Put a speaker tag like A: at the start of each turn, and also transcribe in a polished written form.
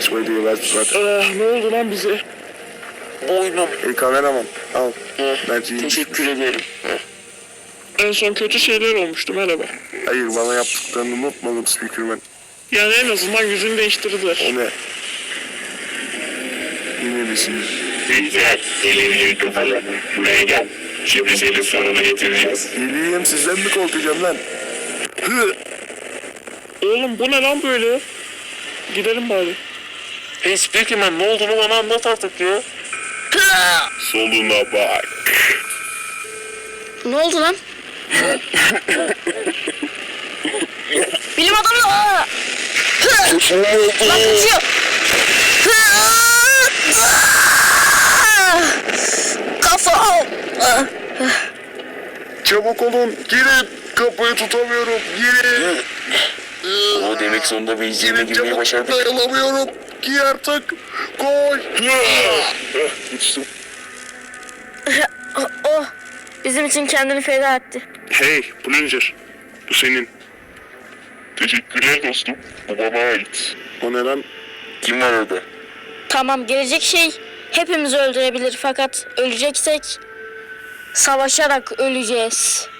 A: çalışmayı diye verdi zaten.
B: Ne oldu lan bize? Boynum.
A: Kameraman al. Bence iyi.
B: Teşekkür ederim. En son kötü şeyler olmuştu, merhaba.
A: Hayır, bana yaptıklarını unutmadım Speakerman.
B: Yani en azından yüzünü değiştirdiler.
A: O ne? Yine bir şey.
C: Güzel, elini kafalı. Buraya gel. Şimdi senin sorunu getireceğiz.
A: Geleyim, sizden mi korkacağım lan?
B: Oğlum bu ne lan böyle? Gidelim bari.
D: Hey Speakerman, ne olduğunu bana anlat artık ya.
C: Soluna bak.
E: Ne oldu lan? Bilim adamı. Lan kaçıyor. Kafam.
A: Çabuk olun, girin. Kapıyı tutamıyorum, girin.
D: O demek sonunda bir izleme
A: Girin
D: girmeyi
A: çabuk,
D: başardık.
A: dayanamıyorum. Giy artık. Koş.
D: Uçtum.
E: Oh, bizim için kendini feda etti.
B: Hey Plunger, bu senin.
C: Teşekkürler dostum. Bu bana ait.
A: O ne lan?
D: Kim var orada?
E: Tamam, gelecek şey hepimizi öldürebilir fakat öleceksek savaşarak öleceğiz.